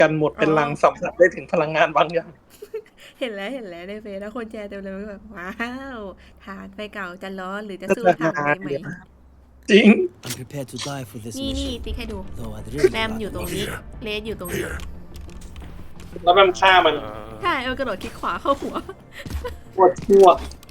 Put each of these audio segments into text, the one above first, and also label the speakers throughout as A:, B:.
A: กันหมดเป็นลังสัมผัสได้ถึงพลังงานบางอย่าง
B: เห็นแล้วในเฟซแล้วคนแชร์เต็มเลยมันแบบว้าวฐานไฟเก่าจะร้อนหรือจะสู้ฐานไฟใหม่
A: จริง
C: I'm prepared to die for this
B: นี่
C: mission.
B: ติ๊กให้ดู
C: Though I'd really
B: แรม
C: like
B: อยู่ตรง
C: to
B: นี้
C: live.
B: เลสอยู่ตรงนี้
A: แล้วมันฆ่ามัน
B: ใช่เอากระโดดคลิกขวาเข้าหัว
A: ปวดทั่ว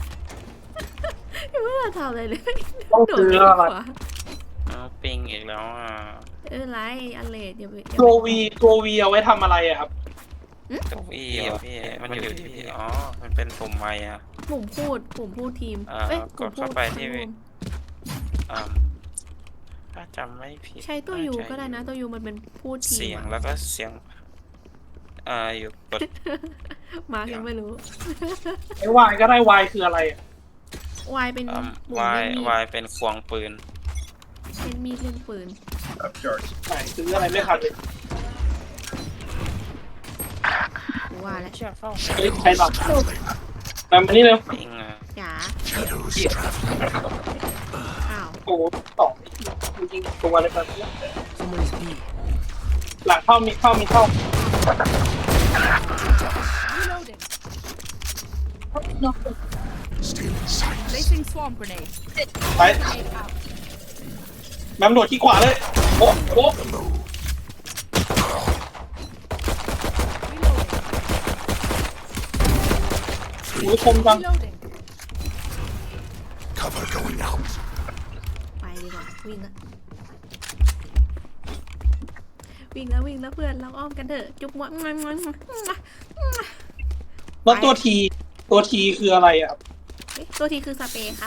B: ยังไม่ได้ทำอะไรเลย
A: ต้อง
B: โดด
A: ซื้อ
B: คลิก
A: อะไร
B: ขวา
D: ปิงอีกแล้วอ่ะ
B: ไรอันเลดอย่าไป
A: ตัววีเอาไว้ทำอะไรอะครับ
D: ตัวอีอ่ะพี่มันอยู่ที่พี่อ๋อมันเป็นปุ่มไม้อ่ะ
B: ปุ่มพูดทีม
D: กดเข้าไปที่ อ่าถ้าจำไม่ผิด
B: ใช้ตัวยูก็ได้นะตัวยูมันเป็นพูดทีม
D: เสียงแล้วก็เสียงอยู่กด
B: มาร์กยังไม่รู้
A: ไอ้วายก็ได้วายคืออะไรอะ
B: วายเป็นปุ่ม
D: วาย
B: เล่นมีด
D: วายเป็นควงปืน
B: เล่นมีดเล่นปืน
A: ไหนซื้ออะไรไม่ทันเลย
B: กูว่าแล้ว
D: เชื่อเข้า
A: เฮ้ยใครหลับมานี่เร็ว
D: ปิงอ่ะ
B: จ๋าอ้าว
A: โอ้โหสองจริงๆตัวอะไรแบบนี้
C: Somebody's B.
A: หลังมีเข้า
E: Placing swarm grenade.
A: ไปแมมโดดที่ขวาเลยโอ้โหหูคมจัง
E: Reloading.
C: Cover going out.
B: ไปดีกว่าวิ่งละวิ่งแล้วเพื่อนเราอ้อมกันเถอะจุ๊บมว
A: แล้วตัวทีคืออะไรอะครับ
B: ตัวทีคือสเปรย์ครับ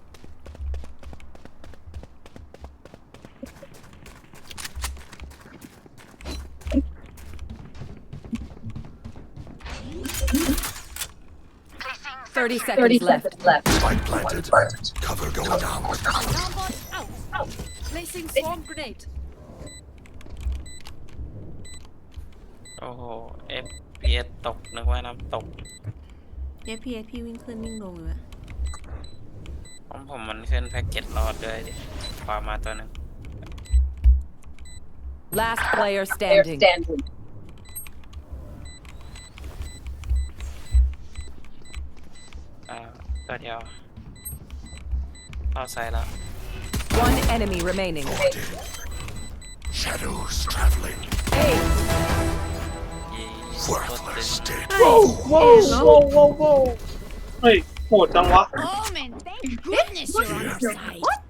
E: 30 seconds left.
C: Spike planted. Cover going out.
E: Alarmbot out. Placing swarm grenade.
D: โอ้โห FPS ตกนึกว่าน้ำตก
B: FPS พี่วิ่งขึ้นวิ่งลงอยู่อะ
D: ของผมมันขึ้นแพ็กเกจรอดด้วยดิขวามาตัวหนึง
E: Last player standing.
D: ตัวเดียวเข้าไซด์แล้ว
E: One enemy remaining.
C: Shadows traveling.
D: ยีโคตร
C: Worthless
D: ตึง
C: dead.
A: ว้าวเฮ้ยโหดจังวะ
E: Omen, thank goodness you're on our side. What?